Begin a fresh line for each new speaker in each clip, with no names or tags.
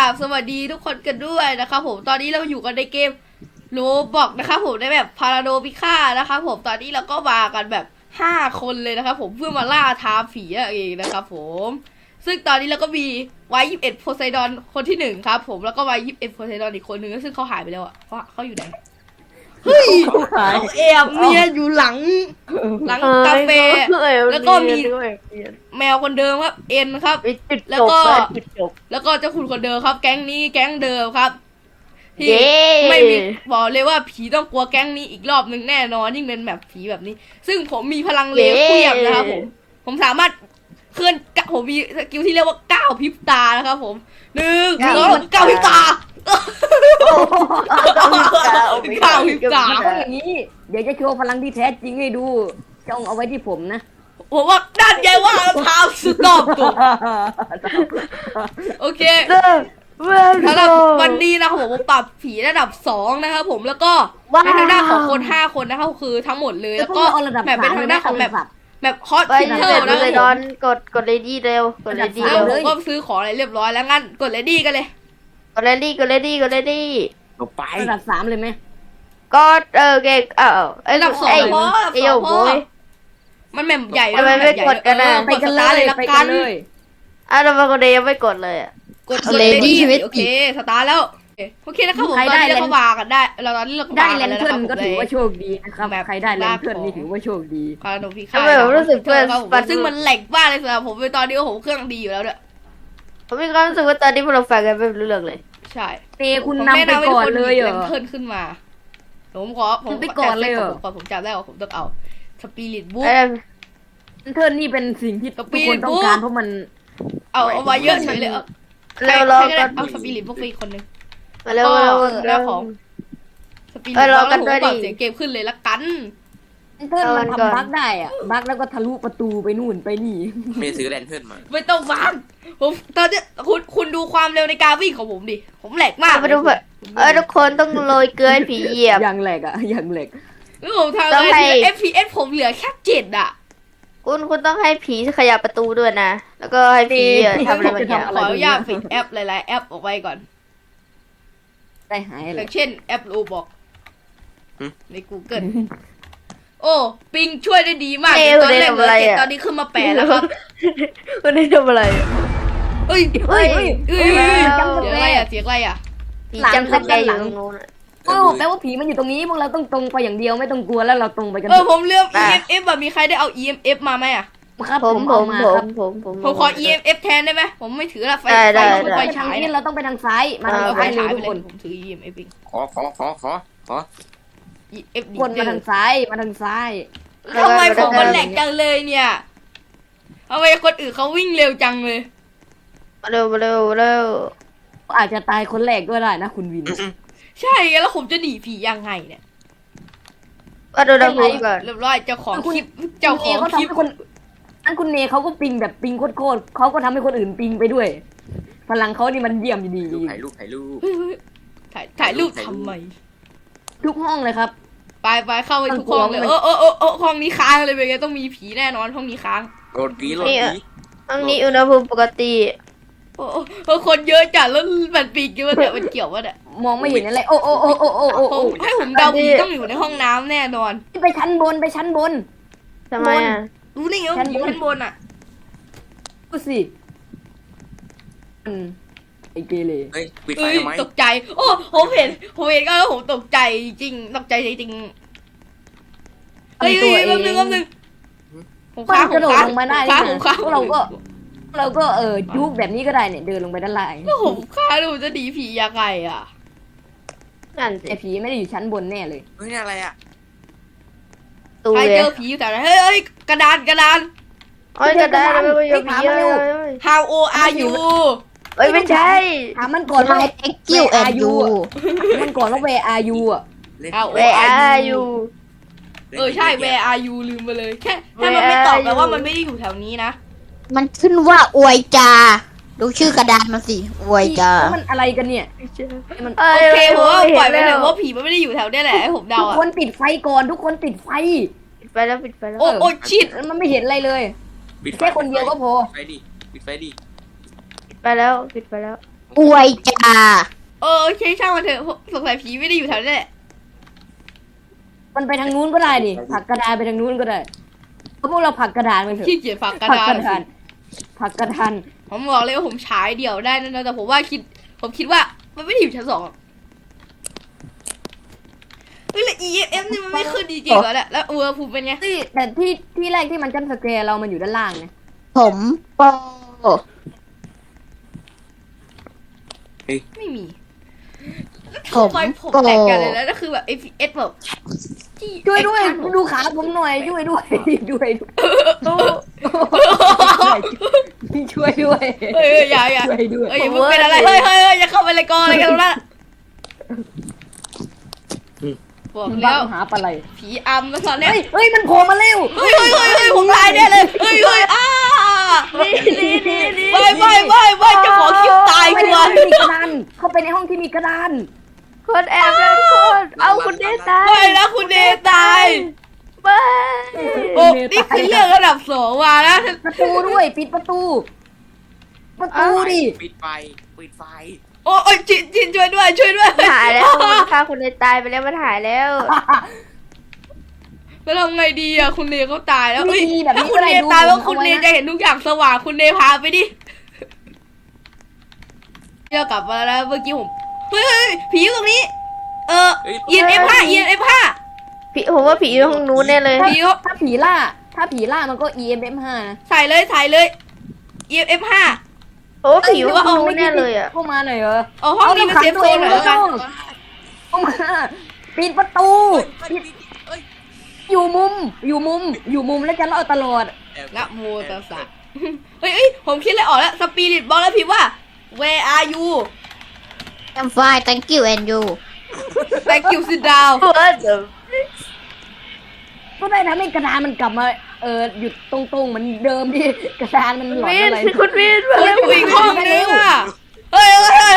บสวัสดีทุกคนกันด้วยนะครับผมตอนนี้เราอยู่กันในเกมโรบอกนะครับผมในแบบพาราโดพิฆานะครับผมตอนนี้เราก็มากันแบบ5 คนเลยนะครับผมเพื่อมาล่าท้าผีเองนะครับผมซึ่งตอนนี้เราก็มีไว้21โพไซดอนคนที่1ครับผมแล้วก็ไว้21โพไซดอนอีกคนนึงซึ่งเขาหายไปแล้วอ่ะเขาอยู่ไหนเฮ้ยเขาแอบเนี่ยอยู่หลังกาแฟแล้วก็มีแมวคนเดิมครับเอ็นครับแล้วก็เจ้าคุณคนเดิมครับแก๊งนี้แก๊งเดิมครับที่ไม่มีบอกเลยว่าผีต้องกลัวแก๊งนี้อีกรอบหนึ่งแน่นอนยิ่งเป็นแบบผีแบบนี้ซึ่งผมมีพลังเลเวียมนะครับผมสามารถเคลื่อนผมมีสกิลที่เรียกว่าก้าวพริบตานะครับผม1 2 ก้าวพริบตาก้าวพริบตา
อย่างนี้เดี๋ยวจะโชว์พลังที่แท้จริงให้ดูจ้องเอาไว้ที่ผมนะ
ผมว่าด้านใหญ่ว่าเท้าสุดรอบตัวโอเคสำหรับวันนี้นะครับผมปรับผีระดับ2นะครับผมแล้วก็ในทางด้านของคน5 คนนะครับคือทั้งหมดเลยแล้วก็แบบเป็นทางด้านของแบบฮอตพิเทอร์นะครับผม
กดเลดี้เร็วกดเลดี้
แล้วผมก็ซื้อของอะไรเรียบร้อยแล้วงั้นกดเลดี้กันเลย
กดเลดี้
ลงไประ
ดับ3เลยไหม
ก็เก่ง
ระดับ2พอมันแมปใหญ่
ทำไมไม่กดกันนะ
ไปกันเลยละกัน
ทำไมคนเดียวยังไม่กดเลย
กดเลดี้โอเคสตาร์แล้วโอเคนะครับผมตอนนี้เราก็วากันได้เราตอนนี้เรา
ได้แลนเทิร์นก็ถือว่าโชคดีนะครับใครได้แลนเทิร์นนี่ถือว่าโชคดี
คาราโนพิฆาต
รู้สึกเพื่อน
ซึ่งมันแหลกมากเลยสำหรับผมตอนนี้ผมเครื่องดีอยู่แล้วด้วย
ผมมีความรู้สึกว่าตอนนี้พวกเราฟังกันไม่รู้เรื่องเลย
ใช่
คุณนำไปก่อนเลยเหรอ
เทิร์นขึ้นมาผม
ไปก่อนเลยเหรอ
ผมจำได้ว่าผมต้องเอาสปิริตบุ๊ก
เทิร์นนี่เป็นสิ่งที่ทุกคนต้องการเพราะมัน
เอาไว้เยอะเฉยเลย
เรา
เอาสปิริตบุ๊กไปอีกคนนึง
แล้ว
ของสปิริตบุ๊กแล้วผมปรับเสียงเกมขึ้นเลยละกัน
เทิร์นมันทำบั๊กได้อะบั๊กแล้วก็ทะลุประตูไปนู่นไปนี่
ไม่ซื้อแลนเทิร์นมา
ไม่ต้องบั๊กผมตอนนี้คุณดูความเร็วในการวิ่งของผมดิผมแหลกมาก
มาดูทุกคนต้องโรยเกลือผีเหยียบ
อย่างแหลกอะอย่างแหลก
แล้วผมทำอะไร FPS ผมเหลือแค่7อะ
คุณต้องให้ผีขยับประตูด้วยนะแล้วก็ให้ผีทำอะไรบางอย่าง
ขออนุญาตปิดแอปหลายๆแอปออกไปก่อน
ได้หายเลย
เช่นแอปโรบอกใน Google โอ้ปิงช่วยได้ดีมากตอนแรกเลยตอนนี้ขึ้นมา8แล้วครับ
คุณได้ทำอะไร
เฮ้ยเสียงอะไรอ่ะ
ผีจำสแกนอยู่ตรงนู้น
แปลว่าผีมันอยู่ตรงนี้พวกเราต้องตรงไปอย่างเดียวไม่ต้องกลัวแล้วเราตรงไปกัน
ผมเลือก EMF แบบมีใครได้เอา EMF มาไหมอ่ะ
ครับผม
ขอ EMF แทนได้ไหมผมไม่ถือละไฟ
ฉายนี่เราต้องไปทางซ้ายมาทางซ้ายเลยทุกคน
ผมถือ EMF เอง
ขอ
คนมาทางซ้าย
ทำไมผมมันแหลกจังเลยเนี่ยทำไมคนอื่นเขาวิ่งเร็วจังเลย
เร็ว
อาจจะตายคนแรกก็ได้นะคุณวิน
ใช่แล้วผมจะหนีผียังไงเนี่ย
ก็ดูดังนี้ก่อน
เรียบร้อยเจ้าของคลิป
อันคุณเนเขาก็ปิงแบบปิงโคตรเขาก็ทำให้คนอื่นปิงไปด้วยพลังเขานี่มันเยี่ยมดี
ถ่าย
รูปทำไม
ทุกห้องเลยครับ
ไปเข้าไปทุกห้องเลยห้องนี้ค้างเลยเป็นไงต้องมีผีแน่นอนห้องนี้ค้าง
โรดผี
ห้องนี้อุณหภูมิปกติ
คนเยอะจัดแล้วมันปีกเยอะเนี่ยมันเกี่ยวว่าเนี่ย
มองไม่เห็นอะไรโอ้
ให้ผมเดาผีต้องอยู่ในห้องน้ำแน่นอน
ไปชั้นบน
ทำไมอ่ะ
รู้ได้ไงว่าผีชั้นบนอ่ะ
ก็สิไอเกเร
เฮ้ยปิดไฟทำไม
ตกใจโอ้ผมเห็นก็แล้วผมตกใจจริงตกใจจริงเฮ้ยแป๊บนึง
ผมค้างลงมาได้เราก็ยุบแบบนี้ก็ได้เนี่ยเดินลงไปด้านล่าง
แล้วผมค้างดูจะดีผียังไงอ่ะ
นั่นไอผีไม่ได้อยู่ชั้นบนแน่เลย
เฮ้ยนี่อะไรอ่ะ
ใครเจอผีแต่เฮ้ยกระดาน
กระดาน
How old are you
ไม่ใช่
ถามมันก่อนว่า Thank you and you มันก่อนว่า Where are you อ่ะ
Where are you
ใช่ Where are you ลืมไปเลยแค่ถ้ามันไม่ตอบแปลว่ามันไม่ได้อยู่แถวนี้นะ
มันขึ้นว่าอวยจาดูชื่อกระดานมาสิอวยจา
มันอะไรกันเนี่ย
โอเคผมว่าปล่อยไปเลยว่าผีมันไม่ได้อยู่แถวนี้แหละให้ผมเดา
ทุกคนปิดไฟก่อนทุกคนปิดไฟ
แล้ว
โอ้ชิด
มันไม่เห็นอะไรเลยแค่คนเดียวก็พอ
ปิดไฟดิ
ปิดไปแล้วอวยจ้า
โอเคช่างมันเถอะสงสัยผีไม่ได้อยู่แถวนี้แหละ
มันไปทางนู้นก็ได้ดิผลักกระดานไปทางนู้นก็ได้เพราะพวกเราผลักกระดานไปเถอะ
ขี้เกียจฝักกระ
ผลัก
ดาก น
ระดานผลักกระดาน
ผมบอกเลยว่าผมฉายเดี่ยวได้นะแต่ผมคิดว่ามันไม่ได้อยู่ชั้น 2เฮ้ยแล้ว EFF นี่มันไม่ขึ้นจริงๆเหรอเนี่ยแล้วภูมิเป็นไง
แต่ที่แรกที่มันจัมป์สแกร์เรามันอยู่ด้านล่างนะ
ผมโป
ไม่มี
ผม
ทำไมผมแตกกันเลยแล้วนั่นคือแบบ FPS แบบ
ช่วยด้วยดูขาผมหน่อยช่วยด้วยช่วยด้วย
เฮ้ยอย่า
ช่วยด้วย
เฮ้ยมึงเป็นอะไรเฮ้ยอย่าเข้าไปเลยกออะไรกันนะบอก
บ้า
แล้ว
หาปลาไหล
ผีอำแล้วตอนเนี้ย
เฮ้ยมันโผล่มาเร็ว
เฮ้ยผมตายแน่เลยเฮ้ยไม่จะขอคิวตาย
ไป
ชั
ใน
ว
ห้อง
ร์
ที่มีกระดานเข้าไปในห้องที่มีกระดาน
คนแอบแล้วคนเอาคุณเดตาย
ไม่นะคุณเดตาย
ไม่
โอ้นี่คือเรื่องระดับ2มานะ
ประตูด้วยปิดประตูดิ
ปิดไฟ
โอ้ยจินช่วยด้วย
หายแล้วมันฆ่าคุณเดตายไปแล้วมันหายแล้ว
แล้วทำไงดีอะคุณเนเขาตายแล้ว
วิธีแบบ
ถ้า
นี้
คุ
ก็
ณ
ได้
เน
ดู
ตายแล้ว
ผม
คุณ
เอา
เน
ไว้
จะ
นะ
เห็นทุกอย่างสว่างคุณเนพาไปดิเดี๋ยวกลับมาแล้วเมื่อกี้ผมเฮ้ยผีอยู่ตรงนี้EMF5
ผมว่าผีอยู่ห้องนู้นแน่เลย
ผีเขา
ถ้าผีล่ามันก็ EMF5 นะ
ใส่เลย EMF5
โอ้ผีอยู่ห้องนู้นแน่เลยอ่ะ
เข้ามาหน่อยเหรอ
เอาห้องนี้เป็นเซฟโซนหน่อยแล้วกัน
เข้ามาปิดประตู อยู่มุมแล้วจะรอดตลอด
นะโมตัสสะเฮ้ยผมคิดอะไรออกแล้วสปิริตบอกแล้วพิมพ์ว่า where are you
I'm fine thank you and you
thank you sit down
ก็ได้ทำให้กระดานมันกลับมาหยุดตรงๆเหมือนเดิมที่กระดานมันหลอนอะไร
คุณวินมา
เฮ้ย
แล้ว
อยู่อีกห้องนึงอ่ะเฮ้ย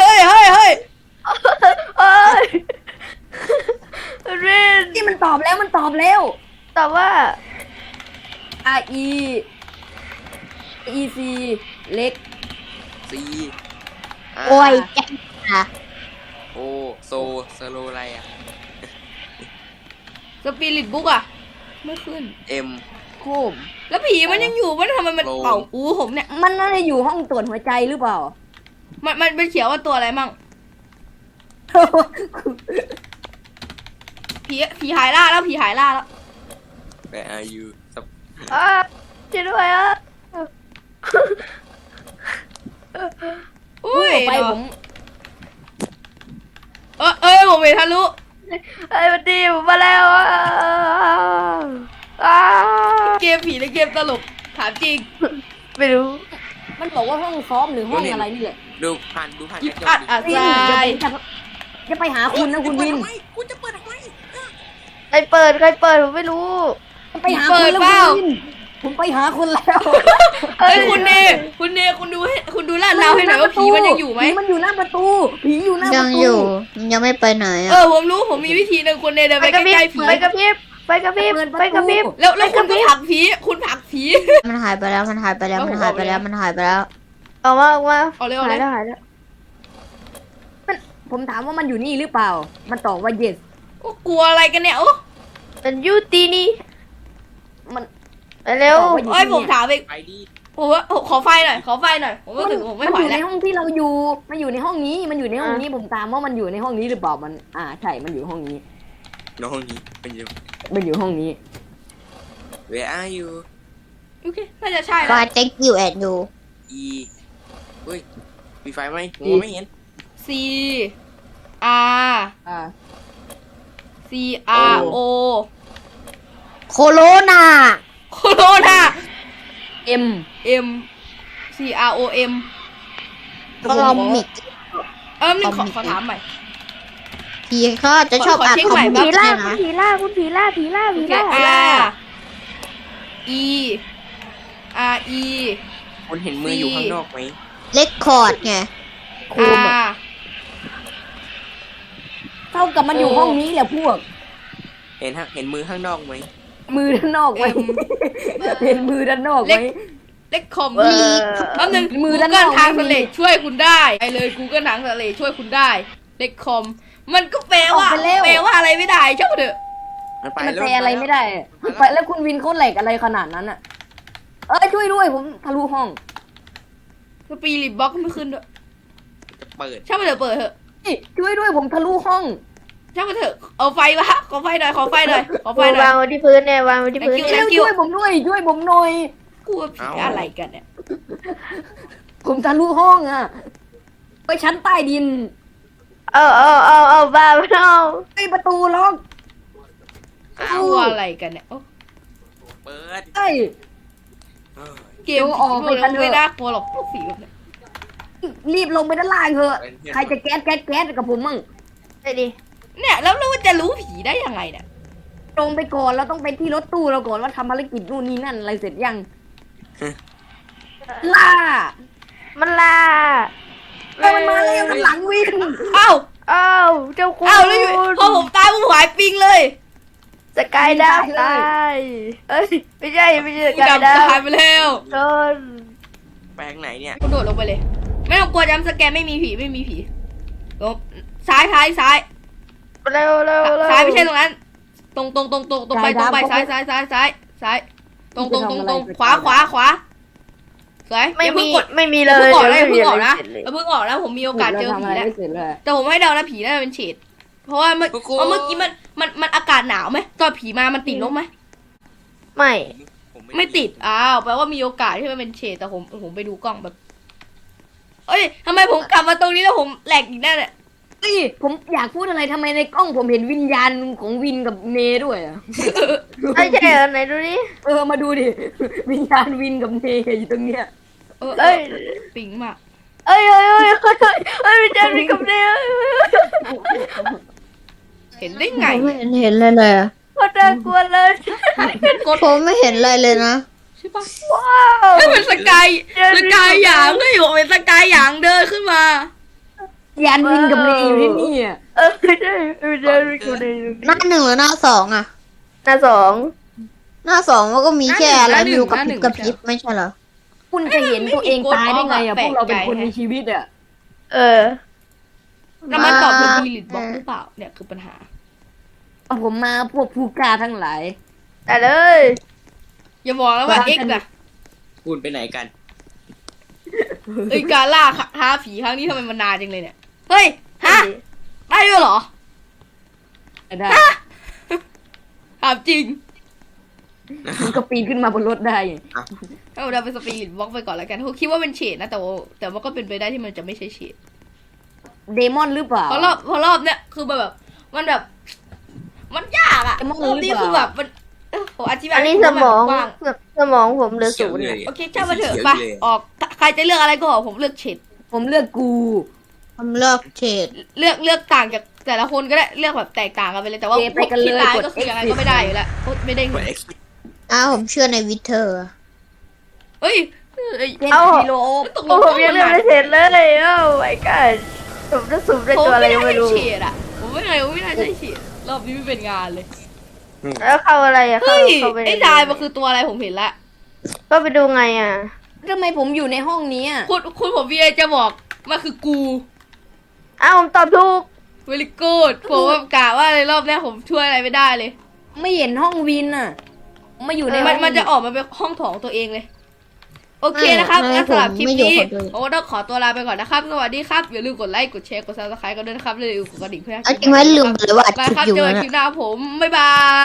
คุณวิน
ที่มันตอบแล้ว
แต่ว่า
R E E C เล็ก
ซี
โอ้ยจ้า
โอโซสโลอะไรอ่ะ
สปิริตบุ๊กอ่ะไม่ขึ้น
เอ็ม
โคม
แล้วผีมันยังอยู่มันทำไมมัน
โอ้
เป่าหูผมเนี่ย
มันน่าจะอยู่ห้องตรวจหัวใจหรือเปล่า
มันเขียนว่าตัวอะไรมั่งผีหายล่าแล้ว
Where are you
ช่วยด้วยอ่ะ
อุ้ย
ไปผม
ผมเห็นทะลุ
ไอ้วันดีผมมาแล้วอ่ะ
เกมผีในเกมตลกถามจริง
ไม่รู้
มันบอกว่าห้องซ้อมหรือห้องอะไรนี่แหละ
ดูผ่าน
ยิบอัดอัด
วิน
ใจ
จะไปหาคุณนะคุณวิน
กูจะเปิดทำไม
ใครเปิดผมไม่รู้
ไปหาคุณแล้วคุณวินผมไปหาคุณแล้ว
เฮ้ยคุณเนคุณดูลาดเราให้หน่อยว่าผีมันยังอยู่ไหม
ผีมันอยู่หน้าประตูผีอยู่หน้าป
ยั
ระ
ง
ตู
อยู่ยังไม่ไปไหนอ่ะ
ผมรู้ผมมีวิธีหนึ่งคุณเนเดินไปใกล้ๆผี
ไปกับพริบ
แล้วคุณก็ผลักผีคุณผลักผี
มันหายไปแล้วออกมา
เอาเร็ว
หา
เลย
แล้ว
ผมถามว่ามันอยู่นี่หรือเปล่า มันตอบว่า yes
กลัวอะไรกันเนี่ยโอ้
เป็นยูตีนี่
มัน
ไปเร็ว
ผมถามเอง
ไปดิ
ผมว่าขอไฟหน่อยผมรู้สึกผมไม่ไหว
อยู่
แล้
ใน
ว
ห้องที่เราอยู่มันอยู่ในห้องนี้ผมถามว่ามันอยู่ในห้องนี้หรือเปล่ามันใช่มันอยู่ห้องนี้
น้องนี้มันอยู่
มันอยู่ห้องนี้
Where are you
โอเคน่าจะใช่
ฟา
แล้ว
thank you and you
E เฮ้ยมีไฟไหมมองไม่เห็น
C R C R O
โคโรนา
โคโรนา
M
M C R O M
คอมมิก
นึงขอถามใหม่
ผีเขาจะชอบอ่านคอมมิก
ผีล่า
นะ
R E R E
คุณเห็นมืออยู่ข้างนอกไหม
เลคคอร์ดไง
R
เท่ากับมันอยู่ห้องนี้แหละพวก
เห็นมือข้างนอกไหม
มือด้านนอกไหม
M
เห็นมือด้านนอกไหม
เล็กคอม
เออ
แป๊บนึง
มือ
Google
ด้านนอก
ทาง
ไม่
ส
มี
เลดช่วยคุณได้ไปเลย Google ทางสเลดช่วยคุณได้เล็กคอมมันก็แปลว่า
ออกไปแล้ว
แปลว่าอะไรไม่ได้เจ้าเถอะ
มันไป
มัน
แล้ว
แปลอะไรไม่ได้ไปแล้วคุณวินเขาแหลกอะไรขนาดนั้นอ่ะช่วยด้วยผมทะลุห้อง
สปีริตบล็อกไม่ขึ้นด้วย
จะเปิด
ช่างมันเถอะเปิดเถอะ
ช่วยด้วยผมทะลุห้อง
ช่างมันเถอะเอาไฟมาขอไฟหน่อยขอไฟหน่อยขอไฟหน่อ
วาย งไว้ที่พื้นเนี่ยวางไว้ที่พื้น
Thank you
เนี่ย
ช่วยผมด้วยช่วยผมหน่อย
กูว่าผีอะไรกันเนี่ย
ผมทะลุห้องอ่ะไปชั้นใต้ดิน
เอาบ้าไม่เอา
ประตูล็อก
กูว่าอะไรกันเนี่ยโอ้
เปิด
เอ้ย
เออ
เกมผีพวกนั้นไม่น่ากลัวหรอกพวกผีแบบเนี้ย
รีบลงไปด้านล่างเถอะใครจะแก๊สกับผมมั่ง
ไปดิ
เนี่ยแล้วเราจะรู้ผีได้ยังไงเนี่ย
ลงไปก่อนเราต้องไปที่รถตู้เราก่อนว่าทำภารกิจนู่นนี่นั่นอะไรเสร็จยังล่า
มันลา
มันมาแล้วมันหลังวิน
เอ้า
เอ้าเจ้าคุณ
เอ้าแล้วอยู่พอผมตายผมหายปิงเลย
สกายดาวตายเอ้ยไม่ใช่ส
กู
กาย
ดำ
ดาว
ตายไปแล้ว
โดน
แปลงไหนเนี่ย
กูโดดลงไปเลย ไม่ต้องกลัวจำสแกนไม่มีผีลงซ้าย
เร็ว
ซ้ายไม่ใช่ตรงนั้น ตรงไปซ้ายตรงขวาสวย
ไม่
อย่า
มี
เพิ่งกด
ไม่มี
อ
เล
ย่าย เพิ่งออกนะ
ไม่มี
อย่าเพิ่งออกนะผมมีโอกาสเจอ
ทำ
ผี
อะไร
แล้ว
ไม่เสร็จเลย
แต่ผมให้เดานะผีน่าจะเป็นเฉดเพราะว่าเมื่อกี้มันอากาศหนาวไหมตอนผีมามันติดลบไหม
ไม่
ไม่ติดอ้าวแปลว่ามีโอกาสที่มันเป็นเฉดแต่ผมไปดูกล้องแบบเอ้ยทำไมผมกลับมาตรงนี้แล้วผมแหลกอีกแน่เนี่ย
ผมอยากพูดอะไรทำไมในกล้องผมเห็นวิญญาณของวินกับเนด้วยอ่ะ
ใช่เหรอไหนดูดิ
มาดูดิ วิญญาณวินกับเนอยู่ตรงเนี้ย
เอ้ย
ปิงมาก
ไม่ใช่มีกับเนี่ย
เห็นได้ไง
ผมไม่เห็นอะไรเลยอะ
โคตรน่ากลัวเลย
ผมไม่เห็นอะไรเลยนะ
ใช่ปะ
ว้าว
ให้เป็นสกายหยางก็อยู่เป็นสกายหยางเดินขึ้นมา
วิญญาณวินกับเนอยู่ที่นี่อ่ะ
ไม่ใช่มีกับเนี่ย
หน้าหนึ่งหรือหน้าสองอะ
หน้าสอง
หน้าสองมันก็มีแค่อะไร
หน้าหนึ่ง
อยู่กับ
หน้าหนึ่
พริ
ง
บกับพริบไม่ใช่เหรอ
คุณจะเห็นตัวเองตายได้ไงอ่ะ
แป
พ
ล
ว
ก
กเราเป็น
ใจ
คนมีชีวิตอ่ะ
แล้วมันตอบเป็นมิลิตบล็อกหรือเปล่าเนี่ยคือปัญหา
ผมมาพวกผู้กล้าทั้งหลาย
แต่เลย
อย่าบอกแล้วว่า
ว่า
เอ็กซ์นะ
คุณไปไหนกัน
เอ้ยการล่าท้าผีครั้งนี้ทำไมมันนานจังเลยเนี่ยเฮ้ยฮะได้ด้วยเหรอ
ได้
ถามจริง
มันก็ปีนขึ้นมาบนรถได้
ถ้าเราเป็นสปิริตบล็อกไปก่อนแล้วกันเขาคิดว่าเป็นเฉดนะแต่ว่าก็เป็นไปได้ที่มันจะไม่ใช่เฉด
เดมอนหรือเปล่า
เพราะรอบเนี้ยคือแบบมันแบบ มันยากอะ
ไอ้มอง
รอบนี้
หรือเปล่า
คือแบบมันผมอธิบาย
อันนี้
ให้
ส
คุณ
มอง
กว้าง
สมองผมเหลือศูนย์
เขียว
อะ
เลย
โอเคช่างมันเถอะไปออกใครจะเลือกอะไรก็ออกผมเลือกเฉด
ผมเลือกกู
ผมเลือกเฉด
เลือกต่างจากแต่ละคนก็ได้เลือกแบบแตกต่างกันไปเลยแต่ว่า
โอเคไปกันเลย
ที่ตาย
กด
ก็คือยังไงก็ไม่ได้อยู่แล้วไม่ได้
ก
เงิ
ด
น
X
ผมเชื่อในวิเทอร์
เฮ้ย
เจน
เอ้า
กิโล
ตกล
โอ้
ง
ผมยังเลือกไม่เสร็จเลยโอ้ my god ผมจะสุ่มได้
ผม
ตัวอะไร
ไม่
ก็
ได้
ไม่รู้
เฉดอะผมไม่ได้ใช่เฉดรอบนี้ไม่เป็นงานเลย
แล้วเข้าอะไรอะ
เฮ้ย
เข้าไป
ไอ้ดายมันคือตัวอะไรผมเห็นละ
ก็ไปดูไงอะ
ทำไมผมอยู่ในห้องนี้อะ
คุณผมวีไอจะบอกมันคือกู
อ้าวผมตอบถูก
เวลิกูดผมแบบกะว่าในรอบเนี้ยผมช่วยอะไรไม่ได้เลย
ไม่เห็นห้องวินอ่ะมาอยู่ในห้อง
มันจะออกมาเป็นห้องถองตัวเองเลย โอเคนะครับงั้นสำหรับคลิปนี้โอ้ต้องขอตัวลาไปก่อนนะครับสวัสดีครับอย่าลืมกดไลค์กดแชร์กดซับสไครต์กันด้วยนะครับอย่าลืมกดกระดิ่งเพื่อ
เอาจริงไหมลืมไปเลยว่าอัด
ไป
คลิป
ครับ
อยู่
เจอกัน
นะ
คลิปหน้าผมบ๊ายบาย